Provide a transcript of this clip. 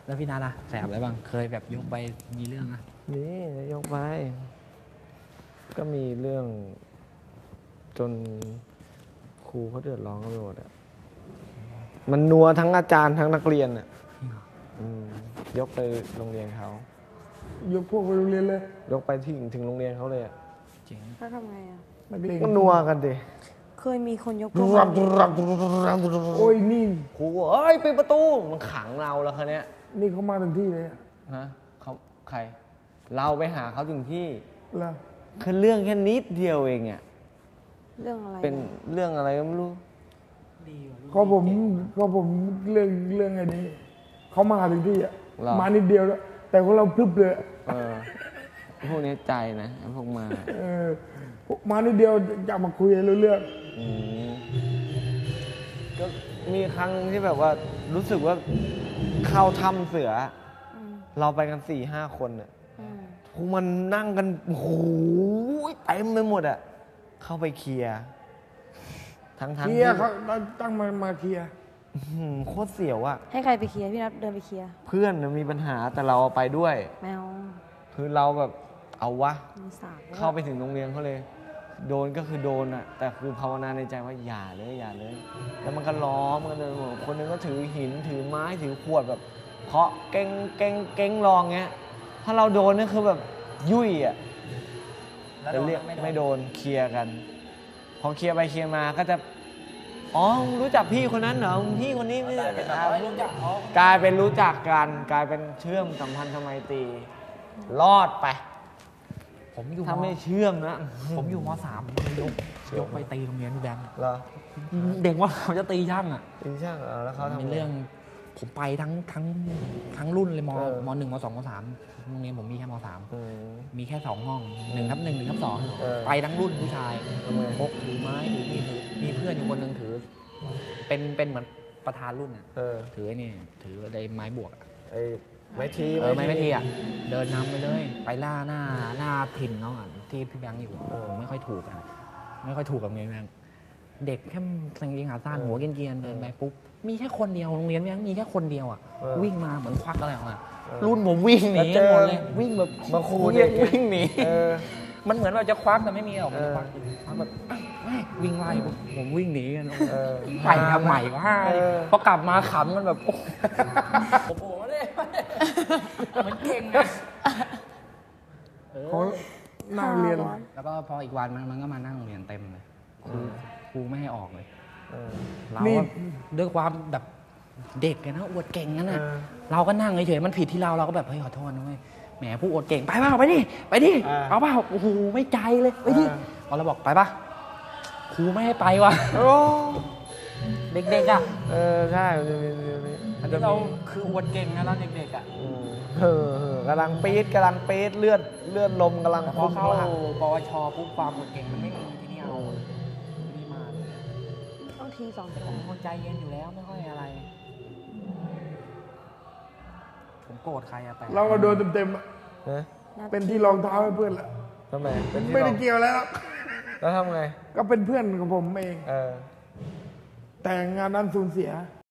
แล้วพี่นัทล่ะแสบอะไรบ้างเคยแบบยกไปมีเรื่องนะนี่ยกไปก็มีเรื่องจนครูเขาเดือดร้อนกันไปหมดอ่ะมันนัวทั้งอาจารย์ทั้งนักเรียนอ่ะยกไปโรงเรียนเขายกพวกไปโรงเรียนเลยยกไปถึงโรงเรียนเขาเลยอ่ะจริงแล้วทำไงอ่ะก็นัวกันดิเคยมีคนยกพวกโอ้ยนี่ครูเอ้ยปิดประตูมันขังเราแล้วคันนี้นี่เขามาถึงที่เลยฮะเขาใครเราไปหาเขาถึงที่แล้วคือเรื่องแค่นิดเดียวเองอ่ะเรื่องอะไรเป็นเรื่องอะไรก็ไม่รู้ก็ผมเรื่องไอ้นี้เขามาถึงที่อ่ะมานิดเดียวแล้วแต่ของเราพลึบเลยพวกนี้ใจนะพวกมามานิดเดียวจะมาคุยเรื่องก็มีครั้งที่แบบว่ารู้สึกว่าเข้าถ้ำเสือเราไปกัน4-5 คนเนี่ยพวกมันนั่งกันโอ้โหเต็มไปหมดอ่ะเข้าไปเคลียร์ทั้งเคลียร์เขาตั้งมาเคลียร์โคตรเสียวอ่ะให้ใครไปเคลียร์พี่นัทเดินไปเคลียร์เพื่อนมีปัญหาแต่เราไปด้วยแมวคือเราแบบเอาวะเข้าไปถึงโรงเรียนเขาเลยโดนก็คือโดนอ่ะแต่คือภาวนาในใจว่าอย่าเลยแล้วมันก็ล้อมกันเลยคนนึงก็ถือหินถือไม้ถือขวดแบบเคาะเก้งลองเงี้ยถ้าเราโดนนี่คือแบบยุ่ยอ่ะแต่เรียกไม่โดนเคลียร์กันพอเคลียร์ไปเคลียร์มาก็จะอ๋อรู้จักพี่คนนั้นเหรอพี่คนนี้ไม่กลายเป็นรู้จักกันกลายเป็นเชื่อมสัมพันธไมตรีรอดไปถ้าไม่เชื่อมนะผมอยู่ม.3 ยกไปตีโรงเรียนพี่แบงค์เหรอเด็กว่าเขาจะตีช่างอ่ะตีช่างแล้วเขาทำเป็นเรื่องผมไปทั้งรุ่นเลยม.1 ม.2 ม.3โรงเรียนผมมีแค่ม.3มีแค่2 ห้อง1/1 1/2ไปทั้งรุ่นผู้ชายพกถือไม้ถือมีเพื่อนอยู่คนหนึ่งถือเป็นเหมือนประธานรุ่นอ่ะถือไอ้นี่ถือไอ้ไม้บวกไม้ทีอ่ะเดินนำไปเลยไปล่าหน้าถิ่นเขาอ่ะที่พี่แบงค์อยู่ไม่ค่อยถูกอ่ะไม่ค่อยถูกกับเมียแบงค์เด็กแค่กางเกงขาสั้นหัวเกรียนเดินไปปุ๊บมีแค่คนเดียวโรงเรียนแบงค์มีแค่คนเดียวอ่ะวิ่งมาเหมือนควักอะไรออกมารุ่นผมวิ่งหนีหมดเลยวิ่งแบบมาคูเด็กวิ่งหนีมันเหมือนเราจะควักแต่ไม่มีหรอกควักแบบวิ่งไล่ผมวิ่งหนีกันไปทำใหม่ก็พอกลับมาขำกันแบบโอ้โหเลยมันเก่งนะเขานั่งเรียนแล้วก็พออีกวันมันก็มานั่งเรียนเต็มเลยครูไม่ให้ออกเลยเราด้วยความแบบเด็กนะอวดเก่งนั่นน่ะเราก็นั่งเฉยๆมันผิดที่เราก็แบบเฮ้ยขอโทษนะเว้ยแหมผู้อวดเก่งไปเปล่าไปดิเอาเปล่าโอ้โหไม่ใจเลยไปดิพอเราบอกไปป่ะครูไม่ให้ไปว่ะเด็กๆอ่ะใช่เราคืออวดเก่งนะเราเด็กๆอ่ะกำลังปี๊ดเลือดลมกำลังพอเข้าปวชปุ๊บความอวดเก่งมันไม่มีที่นี่เอานี่มาต้องที2 ผมคนใจเย็นอยู่แล้วไม่ค่อยอะไรผมโกรธใครอะแต่เราก็โดนเต็มๆเป็นที่รองเท้าให้เพื่อนแหละทำไมไม่ได้เกี่ยวแล้วแล้วทำไงก็เป็นเพื่อนของผมเองแต่งานนั้นสูญเสีย